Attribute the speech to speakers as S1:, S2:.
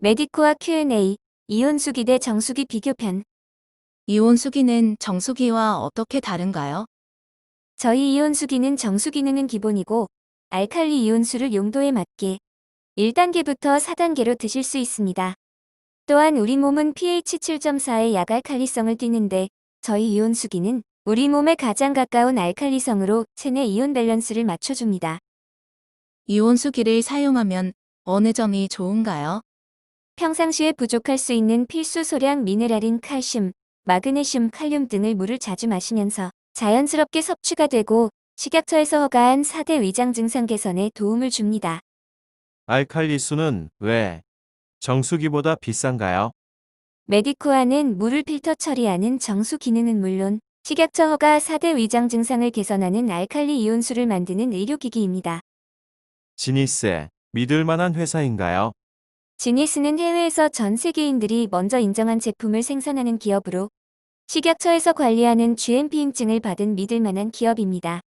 S1: 메디코아 Q&A, 이온수기 대 정수기 비교편.
S2: 이온수기는 정수기와 어떻게 다른가요?
S1: 저희 이온수기는 정수 기능은 기본이고 알칼리 이온수를 용도에 맞게 1단계부터 4단계로 드실 수 있습니다. 또한 우리 몸은 pH 7.4의 약알칼리성을 띠는데 저희 이온수기는 우리 몸에 가장 가까운 알칼리성으로 체내 이온 밸런스를 맞춰줍니다.
S2: 이온수기를 사용하면 어느 점이 좋은가요?
S1: 평상시에 부족할 수 있는 필수 소량 미네랄인 칼슘, 마그네슘, 칼륨 등을 물을 자주 마시면서 자연스럽게 섭취가 되고 식약처에서 허가한 4대 위장 증상 개선에 도움을 줍니다.
S3: 알칼리수는 왜 정수기보다 비싼가요?
S1: 메디코아는 물을 필터 처리하는 정수 기능은 물론 식약처 허가 4대 위장 증상을 개선하는 알칼리 이온수를 만드는 의료기기입니다.
S3: 지니스, 믿을 만한 회사인가요?
S1: 지니스는 해외에서 전 세계인들이 먼저 인정한 제품을 생산하는 기업으로 식약처에서 관리하는 GMP 인증을 받은 믿을 만한 기업입니다.